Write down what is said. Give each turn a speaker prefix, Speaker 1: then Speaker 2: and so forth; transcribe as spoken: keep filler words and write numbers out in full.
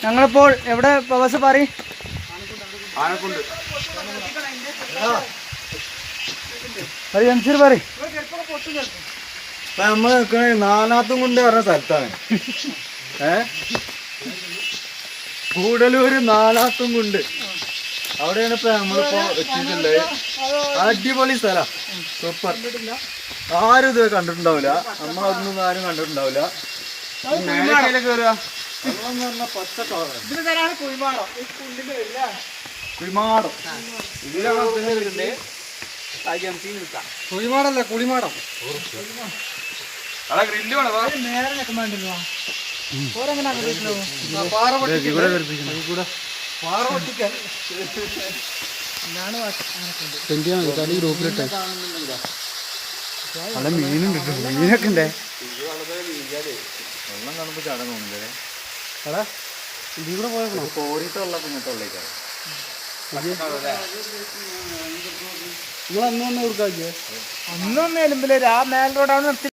Speaker 1: ഞങ്ങളിപ്പോൾ എവിടെ പ്രവാസ പാറി
Speaker 2: ആനക്കുണ്ട്
Speaker 1: ജംഷീർ പാറി
Speaker 2: നമ്മൾ നിൽക്കണ നാനാത്തും കൊണ്ട് പറഞ്ഞ സ്ഥലത്താണ്. ഏ കൂടലൂര് നാനാത്തും കൊണ്ട് അവിടെയാണ് ഇപ്പൊ നമ്മളിപ്പോ എത്തിയിട്ടുള്ളത്. അടിപൊളി സ്ഥലം, സൂപ്പർ. ആരും ഇത് കണ്ടിട്ടുണ്ടാവില്ല, നമ്മളതൊന്നും ആരും കണ്ടിട്ടുണ്ടാവില്ല. കേറുക പച്ച കുഴിമാടം, കുഴിമാടല്ല കുളിമാടം.
Speaker 1: നല്ല മീനുണ്ട്, മീനൊക്കെ ഉണ്ടേ.
Speaker 2: വെള്ളം കാണുമ്പോ ചടങ്ങ് തോന്നുന്നില്ലേ?
Speaker 1: എടാ ഇതിലൂടെ പോയേക്കണോ?
Speaker 2: കോരിത്തെ വെള്ളം ഇങ്ങനത്തെ വെള്ളേക്കാണ്.
Speaker 1: നിങ്ങൾ അന്ന് വന്ന് കൊടുക്കാ അന്നൊന്നും എലുമ്പില്ല, ആ മേൽ റോഡാണ് നിർത്തി.